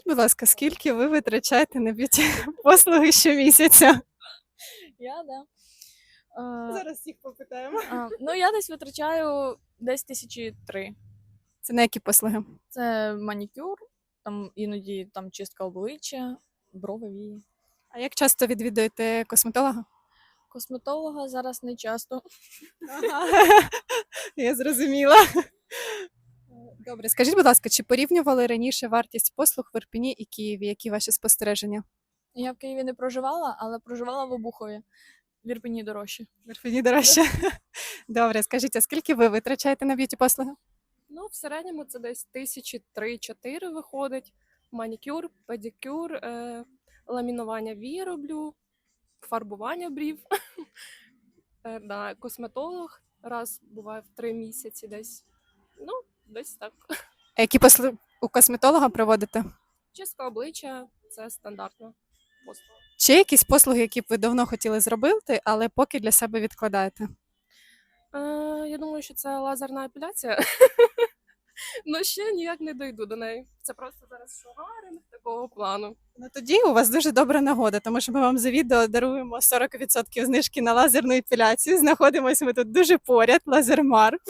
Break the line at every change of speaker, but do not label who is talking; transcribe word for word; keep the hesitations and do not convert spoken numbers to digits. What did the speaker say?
Будь ласка, скільки ви витрачаєте на б'юті послуги щомісяця?
Я, да. Е,
Зараз всіх попитаємо.
а, ну, я десь витрачаю десь тисячі три.
Це на які послуги?
Це манікюр, там іноді там чистка обличчя, брови, вії.
А як часто відвідуєте косметолога?
Косметолога зараз не часто.
Ага. Я зрозуміла. Добре, скажіть, будь ласка, чи порівнювали раніше вартість послуг в Ірпені і Києві? Які ваші спостереження?
Я в Києві не проживала, але проживала в Обухові. В Ірпені дорожче.
В Ірпені дорожче. Добре, скажіть, а скільки ви витрачаєте на б'юті послуги?
Ну, в середньому це десь тисячі три-чотири виходить. Манікюр, педикюр, е, ламінування вій роблю, фарбування брів. Е, да, косметолог раз буває в три місяці десь. Ну, десь так.
А які послуги у косметолога проводите?
Чистка обличчя це стандартна послуга.
Чи є якісь послуги, які б ви давно хотіли зробити, але поки для себе відкладаєте?
Е, я думаю, що це лазерна епіляція. Ну, ще ніяк не дойду до неї. Це просто зараз шугаринг такого плану.
Ну тоді у вас дуже добра нагода, тому що ми вам за відео даруємо сорок відсотків знижки на лазерну епіляцію. Знаходимося ми тут дуже поряд, Лазермар.